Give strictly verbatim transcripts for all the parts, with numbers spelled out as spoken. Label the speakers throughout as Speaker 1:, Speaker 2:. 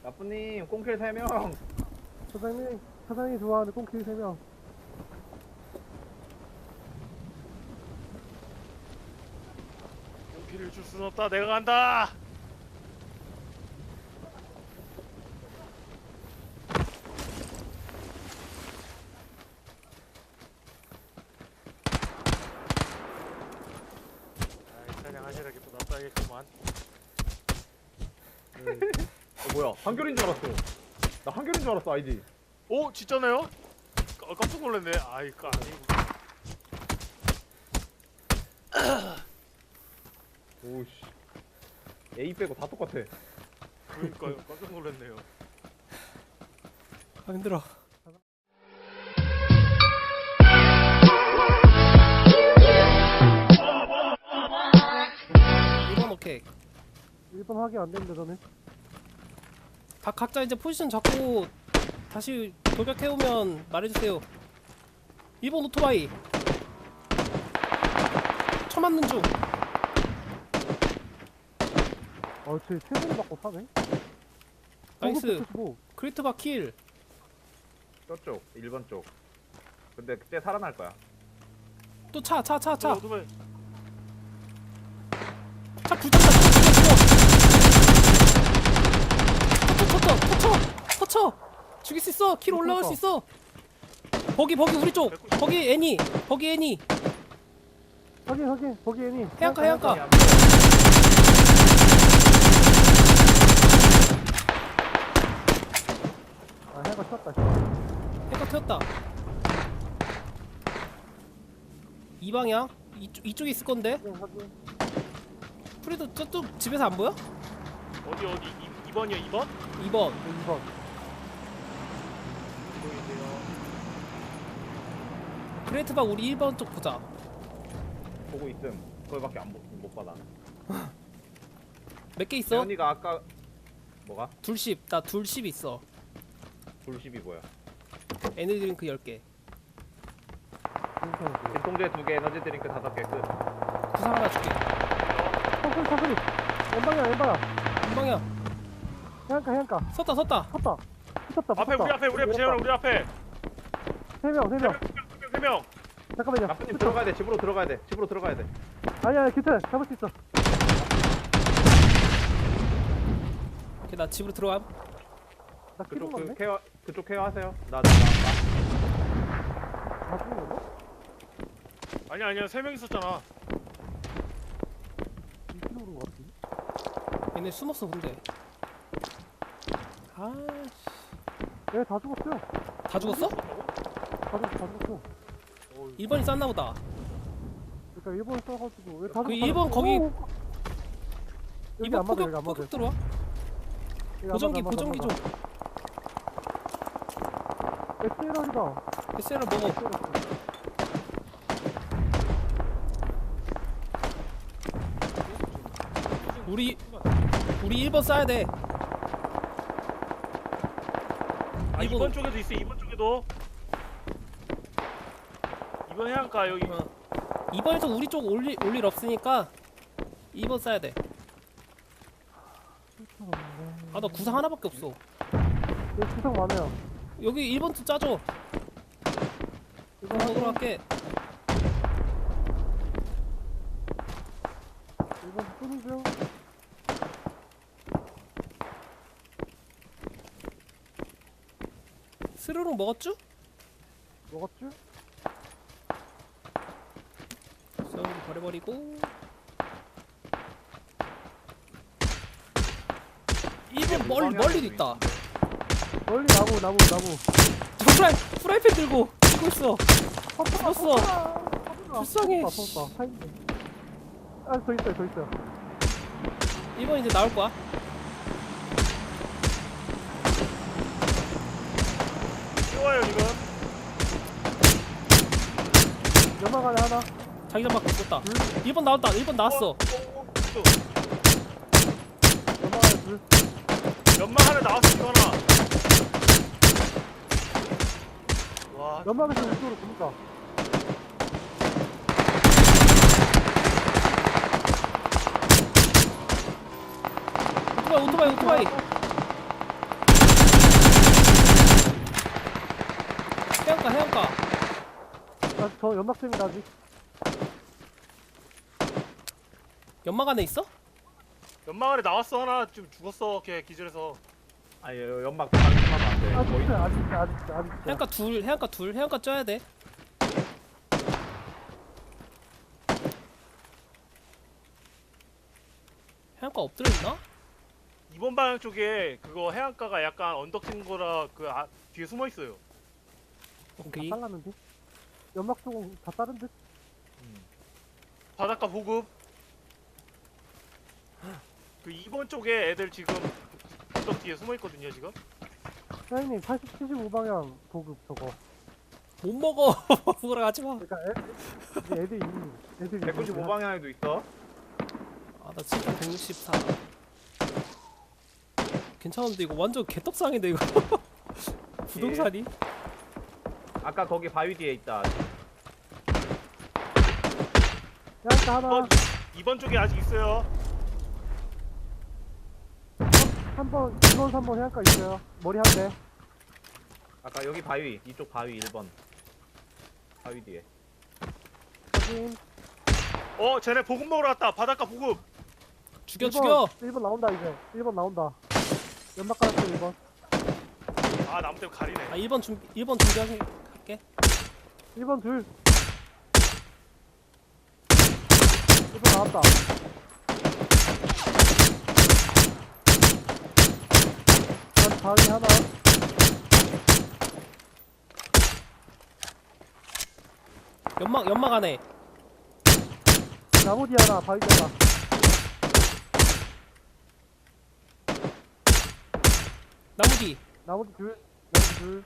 Speaker 1: 나쁘님 꽁킬 세 명.
Speaker 2: 사장님, 사장님이 좋아하는 꽁킬 세 명.
Speaker 3: 용기를 줄 순 없다. 내가 간다. 아이, 사냥하시라기 또 놔둬야겠구만.
Speaker 1: 어, 뭐야? 한결인 줄 알았어. 나 한결인 줄 알았어 아이디.
Speaker 3: 오, 진짜네요? 깜- 깜짝 놀랐네. 아이, 까 아니고.
Speaker 1: 오씨. A 빼고 다 똑같아.
Speaker 3: 그러니까요. 깜짝 놀랐네요.
Speaker 2: 아, 힘들어.
Speaker 4: 일 번 오케이.
Speaker 2: 일 번 확인 안 되는데, 너는?
Speaker 4: 각, 각자 이제 포지션 잡고 다시 돌격해오면 말해주세요. 일 번 오토바이 쳐맞는 중.
Speaker 2: 어, 쟤 최선을 받고 사네?
Speaker 4: 나이스.
Speaker 2: 뭐.
Speaker 4: 크리트바 킬.
Speaker 1: 저쪽 일 번 쪽. 근데 그때 살아날 거야.
Speaker 4: 또 차 차 차 차.
Speaker 3: 오토바이.
Speaker 4: 차 붙였다. 터쳐 터쳐 터쳐 터쳐. 죽일 수 있어. 킬 올라갈 수 있어. 버기 버기 우리 쪽. 버기 애니. 버기 애니.
Speaker 2: 확인, 확인. 거기 애니.
Speaker 4: 해안가 해안가.
Speaker 2: 아, 해안가 쳤다.
Speaker 4: 해가 튀었다. 이 방향. 이쪽 이쪽에 있을 건데.
Speaker 2: 확인, 확인.
Speaker 4: 프리도 저쪽 집에서 안 보여?
Speaker 3: 어디 어디? 이 번이요, 이 번?
Speaker 4: 이 번.
Speaker 2: 이 번.
Speaker 3: 이번인데요.
Speaker 4: 그레이트바 우리 일 번 쪽 보자.
Speaker 1: 보고 있음. 그거밖에 안 못 받아.
Speaker 4: 몇 개 있어?
Speaker 1: 현이가 아까 뭐가?
Speaker 4: 둘십. 나 둘십 있어.
Speaker 1: 불십이 뭐야?
Speaker 4: 에너지 드링크 열 개.
Speaker 2: 괜찮아.
Speaker 1: 진통제 두 개, 에너지 드링크 다섯 개 끝.
Speaker 4: 구상 하나 줄게.
Speaker 2: 사소리, 사소리. 왼방이야, 왼방이야.
Speaker 4: 이 방향.
Speaker 2: 해안가, 해안가.
Speaker 4: 섰다 섰다.
Speaker 2: 섰다. 붙었다,
Speaker 3: 앞에 우리 앞에 우리 앞에 재현아 우리 앞에.
Speaker 2: 세 명, 세 명.
Speaker 3: 세 명.
Speaker 2: 잠깐만요.
Speaker 1: 나쁘님 들어가야 돼. 집으로 들어가야 돼. 집으로 들어가야 돼.
Speaker 2: 아니야, 아니, 괜찮아. 잡을 수 있어.
Speaker 4: 오케이 나 집으로 들어감.
Speaker 2: 나
Speaker 1: 그쪽
Speaker 2: 키로
Speaker 1: 그
Speaker 2: 맞네?
Speaker 1: 케어 그쪽 케어 하세요. 나 나 나.
Speaker 2: 다 죽은 건가?
Speaker 3: 아니 아니야, 세 명 있었잖아.
Speaker 2: 이 킬로로 것 같은데?
Speaker 4: 얘네 숨었어 근데. 아씨.
Speaker 2: 얘 다 죽었어요.
Speaker 4: 다 죽었어?
Speaker 2: 다 죽, 다 죽었어.
Speaker 4: 일 번이 쌌나 보다.
Speaker 2: 그러니까 일본 써가지고 왜 다
Speaker 4: 그
Speaker 2: 죽- 다
Speaker 4: 일본
Speaker 2: 죽었어?
Speaker 4: 거기-
Speaker 2: 오! 여기
Speaker 4: 일 번
Speaker 2: 안 맞아,
Speaker 4: 포격
Speaker 2: 여기 안 맞아.
Speaker 4: 포격 들어와.
Speaker 2: 여기 안
Speaker 4: 보정기
Speaker 2: 맞아, 안
Speaker 4: 보정기
Speaker 2: 맞아,
Speaker 4: 좀.
Speaker 2: 안 맞아. 에스엘알이다.
Speaker 4: 에스엘알 먹어. 우리 우리 일 번 쏴야 돼.
Speaker 3: 아,
Speaker 4: 이번-
Speaker 3: 이 번 쪽에도 있어. 이 번 쪽에도. 이 번 해안가 여기.
Speaker 4: 어. 이 번에서 우리 쪽 올릴 올일 없으니까 이 번 쏴야 돼. 아 나 구상 하나밖에 없어.
Speaker 2: 여기 구상 많아요.
Speaker 4: 여기 일 번 좀 짜줘.
Speaker 2: 이거
Speaker 4: 일 번 먹으러 갈게.
Speaker 2: 일본 쏘는 중.
Speaker 4: 스르륵 먹었쥬?
Speaker 2: 먹었죠?
Speaker 4: 쏘리 버려버리고. 일 번 멀리 멀리도 있다.
Speaker 2: 멀리 나무, 나무, 나무.
Speaker 4: 저 프라이 프라이팬 들고 들고 있어. 죽었어. 불쌍해.
Speaker 2: 섰다, 섰다. 서 있네. 아, 더 있어요, 더 있어요.
Speaker 4: 일 번 이제 나올 거야.
Speaker 3: 쉬워요 지금.
Speaker 2: 연막 안에 하나.
Speaker 4: 자기장밖에 없었다. 일 번 나왔다. 일 번 나왔어.
Speaker 3: 어, 어, 어, 또.
Speaker 2: 연막 안에 둘.
Speaker 3: 연막 하나 나왔어. 이거 하나. 와.
Speaker 2: 연막에서 우쪽으로 보니까.
Speaker 4: 오토바이 오토바이 오토바이. 해안가 해안가.
Speaker 2: 나 저 연막zem이다 아직.
Speaker 4: 연막 안에 있어?
Speaker 3: 연막 안에 나왔어 하나 지금 죽었어 걔 기절해서.
Speaker 1: 아니 연막 방심하면 안돼
Speaker 2: 아직
Speaker 1: 거의
Speaker 2: 있어요. 아직 있어요. 아직 있어요. 아직 있어요.
Speaker 4: 해안가 둘 해안가 둘 해안가 쪄야 돼. 해안가 엎드려 있나?
Speaker 3: 이번 방향 쪽에 그거 해안가가 약간 언덕 친 거라 그 아, 뒤에 숨어 있어요.
Speaker 4: 오케이.
Speaker 2: 다 잘랐는데? 연막 쪽은 다 다른 듯?
Speaker 3: 바닷가 보급. 그 이번 쪽에 애들 지금 언덕 뒤에 숨어 있거든요 지금.
Speaker 2: 사장님 팔십, 칠십오 방향 보급 저거.
Speaker 4: 못 먹어. 먹으러 가지 마.
Speaker 2: 그러니까 애, 이제 애들이 이미 애들이
Speaker 1: 백구십오 방향에도 있어.
Speaker 4: 아, 나 지금 백육십사. 괜찮은데 이거 완전 개떡상인데 이거. 부동산이?
Speaker 1: 아까 거기 바위 뒤에 있다.
Speaker 2: 해안가 하나.
Speaker 3: 어, 이번 쪽에 아직 있어요.
Speaker 2: 한 번, 이 번, 삼 번 해안가 있어요. 머리 한 대.
Speaker 1: 아까 여기 바위 이쪽 바위 일 번 바위 뒤에.
Speaker 2: 확인.
Speaker 3: 어 쟤네 보급 먹으러 왔다. 바닷가 보급.
Speaker 4: 죽여
Speaker 2: 일 번,
Speaker 4: 죽여.
Speaker 2: 일 번 나온다 이제. 일 번 나온다. 연막 깔았어 일 번.
Speaker 3: 아 나무 때문에 가리네.
Speaker 4: 아 일 번 준비 일 번 준비하게 할게.
Speaker 2: 일 번 둘. 일 번 나왔다. 난 바위 하나.
Speaker 4: 연막 연막 안에.
Speaker 2: 나무 뒤 하나, 바위 뒤 하나.
Speaker 4: 나무 뒤.
Speaker 2: 나무 뒤 둘. 나무 뒤 둘.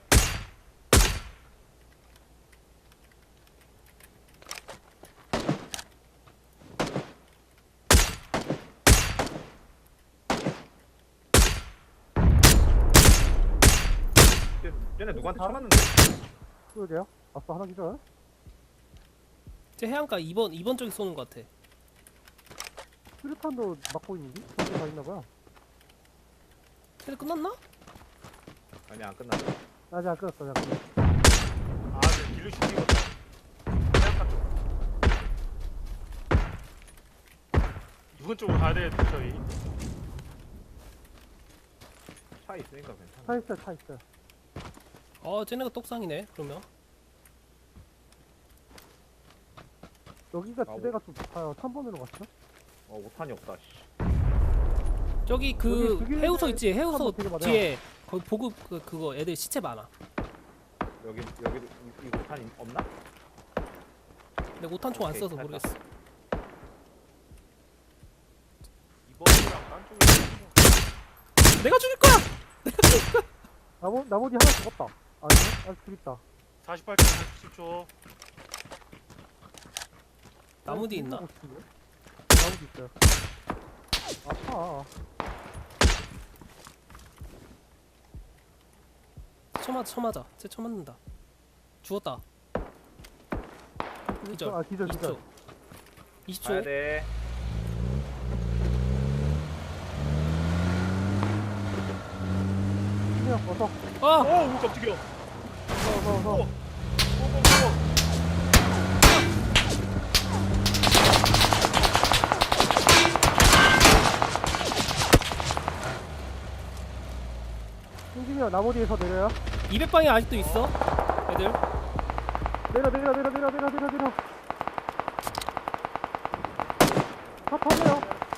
Speaker 1: 쟤- 쟤네 누구한테 쳐맞는데?
Speaker 2: 그러게요. 아싸 하나 기절.
Speaker 4: 제 해안가 이 번 이 번 쪽에 쏘는 것 같아.
Speaker 2: 수류탄도 막고 있는데? 저기 다 있나봐요.
Speaker 4: 근데 끝났나?
Speaker 1: 아니 안 끝났어.
Speaker 2: 아직 안 끊었어, 아직 안 끊었어.
Speaker 3: 아쟤 딜루 시키겠다. 해안가 쪽. 이번 쪽으로 가야 돼 저희.
Speaker 1: 차 있으니까 괜찮아.
Speaker 2: 차 있어요, 차 있어요.
Speaker 4: 어 쟤네가 떡상이네. 그러면
Speaker 2: 여기가
Speaker 1: 아,
Speaker 2: 지대가 좀 높아요. 삼 번으로 갔죠?
Speaker 1: 어 오탄이 없다. 씨.
Speaker 4: 저기 그
Speaker 2: 여기 죽이는
Speaker 4: 해우소
Speaker 2: 데
Speaker 4: 있지? 해우소
Speaker 2: 사람 되게 많아요.
Speaker 4: 뒤에 거기 보급 그, 그거 애들 시체 많아.
Speaker 1: 여기 여기 이, 이 오탄이 없나?
Speaker 4: 근데 오탄총 안
Speaker 1: 오케이,
Speaker 4: 써서
Speaker 1: 됐다.
Speaker 4: 모르겠어.
Speaker 3: 이번 쪽이랑 딴 쪽에.
Speaker 4: 내가 죽일 거야.
Speaker 2: 나머, 나머지 하나 죽었다. 아니요? 아직 둘 있다.
Speaker 3: 사십팔 초 사십칠 초.
Speaker 4: 나무 뒤 있나?
Speaker 2: 나무 뒤 있어요. 아파.
Speaker 4: 쳐맞아 쳐맞아. 쟤 쳐맞는다. 죽었다. 기절.
Speaker 2: 아, 기절,
Speaker 4: 이십
Speaker 2: 기절.
Speaker 4: 초. 이십
Speaker 1: 가야
Speaker 4: 초.
Speaker 1: 돼.
Speaker 2: 그냥 어서,
Speaker 4: 아!
Speaker 3: 오 깜짝이야.
Speaker 2: 어서, 어서, 어서.
Speaker 3: 고고고.
Speaker 2: 승진이형 나무 뒤에서 내려요.
Speaker 4: 이백 방에 아직도 있어. 애들.
Speaker 2: 내려, 내려, 내려, 내려, 내려, 내려, 내려. 차 타세요.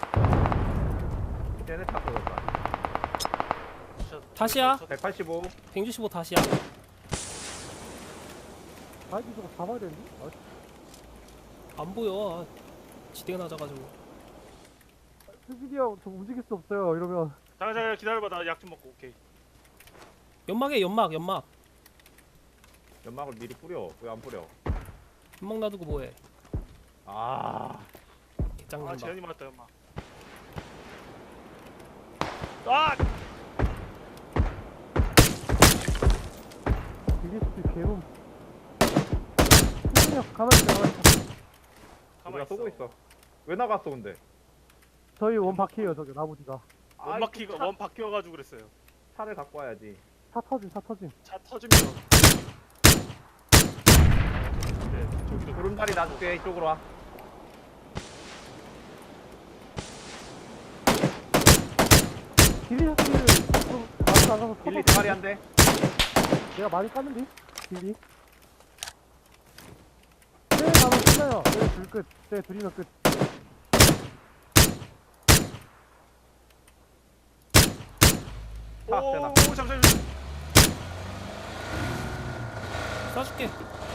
Speaker 1: 쟤네 차 쏘였다.
Speaker 4: 다시야.
Speaker 1: 백팔십오.
Speaker 4: 백육십오 다시야.
Speaker 2: 아, 이거 저거 잡아야 되는데? 아,
Speaker 4: 안 보여. 아, 지대가 낮아가지고.
Speaker 2: 승진이 형, 저 움직일 수 없어요. 이러면.
Speaker 3: 잠깐 잠깐 기다려봐. 나 약 좀 먹고 오케이.
Speaker 4: 연막에 연막 연막.
Speaker 1: 연막을 미리 뿌려. 왜 안 뿌려?
Speaker 4: 연막 놔두고 뭐해?
Speaker 1: 아
Speaker 3: 아
Speaker 4: 개짱난다.
Speaker 3: 재현이 맞았다 엄마. 아!
Speaker 2: 디비에스피 개움. 승진이 형, 가만히 있어, 가만히 있어.
Speaker 3: 가만
Speaker 1: 우리가
Speaker 3: 있어.
Speaker 1: 쏘고 있어. 왜 나갔어 근데?
Speaker 2: 저희 원 바퀴에요, 저기, 나무 뒤가.
Speaker 3: 원
Speaker 1: 아이,
Speaker 3: 바퀴가
Speaker 1: 차-
Speaker 3: 원 바뀌어가지고 그랬어요.
Speaker 1: 차를 갖고 와야지.
Speaker 2: 차 터짐, 차 터짐.
Speaker 3: 차 터지면 저기도
Speaker 1: 구름다리 놔줄게. 이쪽으로 와.
Speaker 2: 길리 샷기를 좀 나도 나가서
Speaker 1: 길리
Speaker 2: 쳐봐.
Speaker 1: 대가리 한 대.
Speaker 2: 내가 많이 깠는데? 길리. 쟤 가면 끝나요. 쟤둘 끝. 쟤 둘이면 끝.
Speaker 1: 타, 되나?
Speaker 3: 오 잠시만.
Speaker 4: 쏴줄게.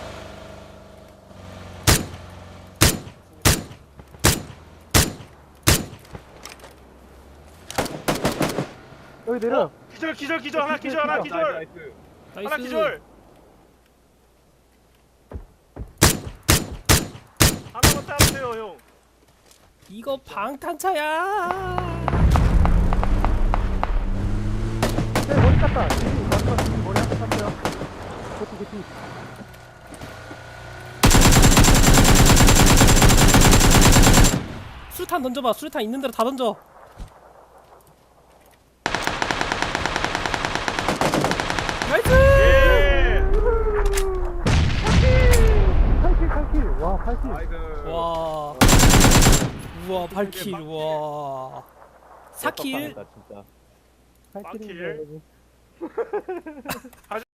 Speaker 2: 여기 내려.
Speaker 3: 어, 기절 기절 기절 하나 기절 하나 기절
Speaker 1: 나이스, 나이스.
Speaker 3: 하나
Speaker 4: 나이스.
Speaker 3: 기절. 하나만 따주세요 형.
Speaker 4: 이거 방탄차야.
Speaker 2: 쟤 머리 깠다. 길리 마지막 길리 머리 한대 깠어요. 개피 개피.
Speaker 4: 수류탄 던져봐. 수류탄 있는 대로 다 던져. 나이스.
Speaker 3: 예.
Speaker 2: 팔 킬 팔 킬. 와 팔 킬.
Speaker 1: 나이스.
Speaker 4: 와. 우와 팔 킬. 와. 사 킬.
Speaker 1: 진짜.
Speaker 2: 팔
Speaker 3: 빡
Speaker 2: 킬인데
Speaker 3: 킬.
Speaker 2: 여러분.